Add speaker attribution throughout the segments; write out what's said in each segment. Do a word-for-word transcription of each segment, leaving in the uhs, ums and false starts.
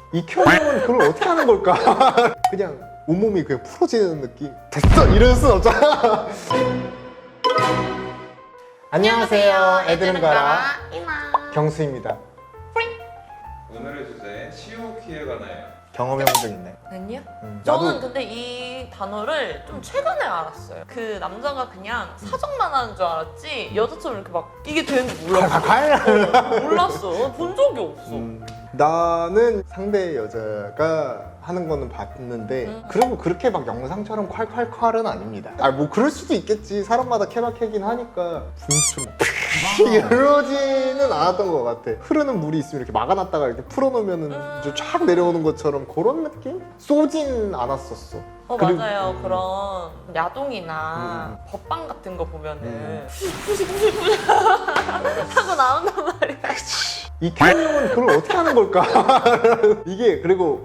Speaker 1: 이 큐형은 그걸 어떻게 하는 걸까? 그냥 온몸이 그냥 풀어지는 느낌? 됐어! 이럴 순 없잖아. 안녕하세요. 애들은 가라.
Speaker 2: 이마.
Speaker 1: 경수입니다.
Speaker 3: 오늘의 주제 시오키에 관하여.
Speaker 1: 경험해본 적 있나요?
Speaker 2: 아니요?
Speaker 1: 음,
Speaker 2: 저는
Speaker 1: 나도-
Speaker 2: 근데 이 단어를 좀 최근에 알았어요. 그 남자가 그냥 사정만 하는 줄 알았지 여자처럼 이렇게 막 이게 되는지 몰랐어.
Speaker 1: 과연
Speaker 2: 몰랐어. 본 적이 없어.
Speaker 1: 음, 나는 상대 여자가 하는 거는 봤는데
Speaker 2: 음.
Speaker 1: 그리고 그렇게 막 영상처럼 콸콸콸은 아닙니다. 아 뭐 그럴 수도 있겠지. 사람마다 케바케긴 하니까 분수처럼 이러지는 않았던 것 같아. 흐르는 물이 있으면 이렇게 막아놨다가 이렇게 풀어놓으면은
Speaker 2: 음.
Speaker 1: 이제 쫙 내려오는 것처럼 그런 느낌? 쏘진 않았었어.
Speaker 2: 어
Speaker 1: 그리고-
Speaker 2: 맞아요.
Speaker 1: 음.
Speaker 2: 그런 야동이나
Speaker 1: 음.
Speaker 2: 법방 같은 거 보면은
Speaker 1: 음.
Speaker 2: 푸시푸시푸시 하고 나온단 말이야.
Speaker 1: 이 큐형은 그걸 어떻게 하는 걸까? 이게 그리고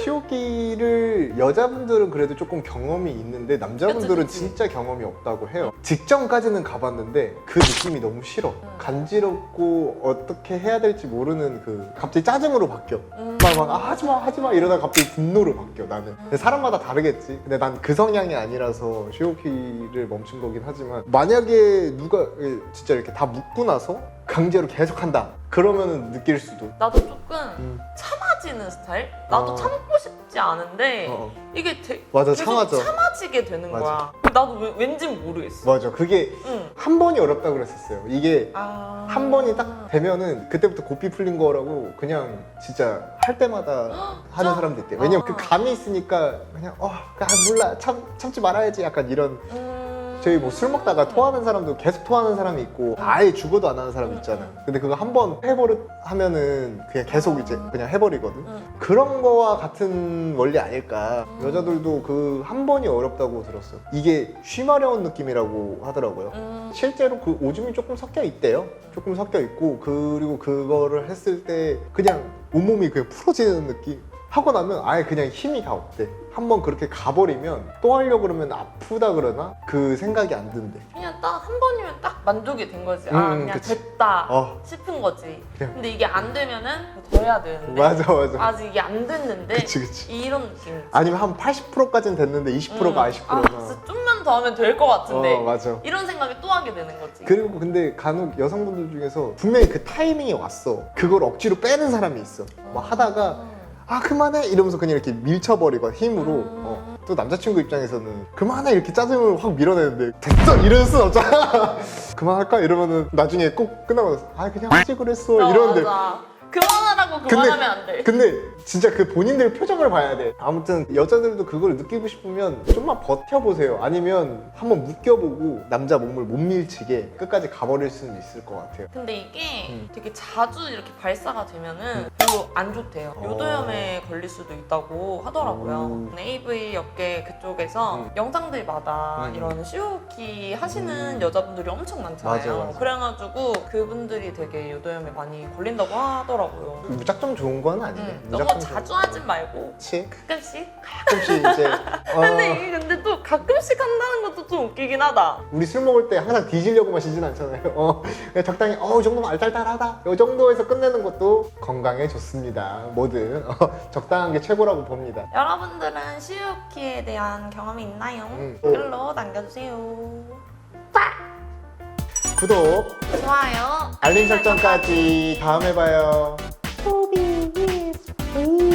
Speaker 1: 시오키를 여자분들은 그래도 조금 경험이 있는데 남자분들은
Speaker 2: 그치, 그치.
Speaker 1: 진짜 경험이 없다고 해요. 직전까지는 가봤는데 그 느낌이 너무 싫어.
Speaker 2: 음.
Speaker 1: 간지럽고 어떻게 해야 될지 모르는 그 갑자기 짜증으로 바뀌어.
Speaker 2: 음.
Speaker 1: 막, 막 아, 하지마 하지마 이러다가 갑자기 분노로 바뀌어 나는. 근데 사람마다 다르겠지. 근데 난 그 성향이 아니라서 시오키를 멈춘 거긴 하지만 만약에 누가 진짜 이렇게 다 묻고 나서 강제로 계속한다 그러면은 느낄 수도.
Speaker 2: 나도 조금
Speaker 1: 음.
Speaker 2: 참아지는 스타일? 나도
Speaker 1: 어.
Speaker 2: 참고 싶지 않은데
Speaker 1: 어, 어.
Speaker 2: 이게 되,
Speaker 1: 맞아,
Speaker 2: 계속
Speaker 1: 참아져.
Speaker 2: 참아지게 되는
Speaker 1: 맞아.
Speaker 2: 거야. 나도 왜, 왠진 모르겠어.
Speaker 1: 맞아. 그게
Speaker 2: 응.
Speaker 1: 한 번이 어렵다 그랬었어요. 이게
Speaker 2: 아...
Speaker 1: 한 번이 딱 되면은 그때부터 고삐 풀린 거라고 그냥 진짜 할 때마다 하는
Speaker 2: 저-
Speaker 1: 사람도 있대. 왜냐면
Speaker 2: 아.
Speaker 1: 그 감이 있으니까 그냥 어, 아, 몰라 참 참지 말아야지 약간 이런.
Speaker 2: 음...
Speaker 1: 저희 뭐 술 먹다가 토하는 사람도 계속 토하는 사람이 있고 아예 죽어도 안 하는 사람 있잖아. 근데 그거 한 번 해버릇 하면은 그냥 계속 이제 그냥 해버리거든.
Speaker 2: 음.
Speaker 1: 그런 거와 같은 원리 아닐까.
Speaker 2: 음.
Speaker 1: 여자들도 그 한 번이 어렵다고 들었어. 이게 쉬마려운 느낌이라고 하더라고요.
Speaker 2: 음...
Speaker 1: 실제로 그 오줌이 조금 섞여 있대요. 조금 섞여 있고 그리고 그거를 했을 때 그냥 온몸이 그냥 풀어지는 느낌. 하고 나면 아예 그냥 힘이 다 없대. 한번 그렇게 가버리면 또 하려고 그러면 아프다 그러나 그 생각이 안 든대.
Speaker 2: 그냥 딱 한 번이면 딱 만족이 된 거지. 아
Speaker 1: 음,
Speaker 2: 그냥
Speaker 1: 그치.
Speaker 2: 됐다
Speaker 1: 어.
Speaker 2: 싶은 거지.
Speaker 1: 그냥.
Speaker 2: 근데 이게 안 되면은 더 해야 되는데
Speaker 1: 맞아 맞아.
Speaker 2: 아직 이게 안 됐는데
Speaker 1: 그치 그치.
Speaker 2: 이런 느낌.
Speaker 1: 아니면 한 팔십 퍼센트까지는 됐는데 이십 퍼센트가
Speaker 2: 음.
Speaker 1: 아쉽
Speaker 2: 아
Speaker 1: 구나.
Speaker 2: 진짜 좀만 더 하면 될 것 같은데
Speaker 1: 어 맞아.
Speaker 2: 이런 생각이 또 하게 되는 거지.
Speaker 1: 그리고 근데 간혹 여성분들 중에서 분명히 그 타이밍이 왔어. 그걸 억지로 빼는 사람이 있어. 뭐 하다가 아 그만해 이러면서 그냥 이렇게 밀쳐버리고 힘으로.
Speaker 2: 음.
Speaker 1: 어. 또 남자친구 입장에서는 그만해 이렇게 짜증을 확 밀어내는데 됐어 이럴 순 없잖아. 그만할까 이러면은 나중에 꼭 끝나고 나서 아 그냥 하지 그랬어
Speaker 2: 어,
Speaker 1: 이러는데
Speaker 2: 맞아. 그만하라고
Speaker 1: 근데-
Speaker 2: 그만하면 안 돼.
Speaker 1: 근데 진짜 그 본인들 표정을 봐야 돼. 아무튼 여자들도 그걸 느끼고 싶으면 좀만 버텨보세요. 아니면 한번 묶여보고 남자 몸을 못 밀치게 끝까지 가버릴 수는 있을 것 같아요.
Speaker 2: 근데 이게
Speaker 1: 음.
Speaker 2: 되게 자주 이렇게 발사가 되면은 별로 안 좋대요.
Speaker 1: 어.
Speaker 2: 요도염에 걸릴 수도 있다고 하더라고요.
Speaker 1: 음.
Speaker 2: 에이브이 업계 그쪽에서
Speaker 1: 음.
Speaker 2: 영상들마다
Speaker 1: 음.
Speaker 2: 이런 시오키 하시는
Speaker 1: 음.
Speaker 2: 여자분들이 엄청 많잖아요.
Speaker 1: 맞아, 맞아.
Speaker 2: 그래가지고 그분들이 되게 요도염에 많이 걸린다고 하더라고요.
Speaker 1: 무작정 좋은 건 아니에요.
Speaker 2: 음,
Speaker 1: 무작정
Speaker 2: 너무
Speaker 1: 좋은
Speaker 2: 자주
Speaker 1: 건
Speaker 2: 하진 말고
Speaker 1: 그치?
Speaker 2: 가끔씩.
Speaker 1: 가끔씩 이제 어,
Speaker 2: 근데 이게 근데 또 가끔씩 한다는 것도 좀 웃기긴 하다.
Speaker 1: 우리 술 먹을 때 항상 뒤지려고 마시진 않잖아요. 어, 그냥 적당히 어, 이 정도면 알딸딸하다. 이 정도에서 끝내는 것도 건강에 좋습니다. 뭐든 어, 적당한 게 최고라고 봅니다.
Speaker 2: 여러분들은 시오키에 대한 경험이 있나요?
Speaker 1: 음.
Speaker 2: 댓글로 남겨주세요.
Speaker 1: 구독,
Speaker 2: 좋아요.
Speaker 1: 알림 설정까지 다음에 봐요. 호비 is free.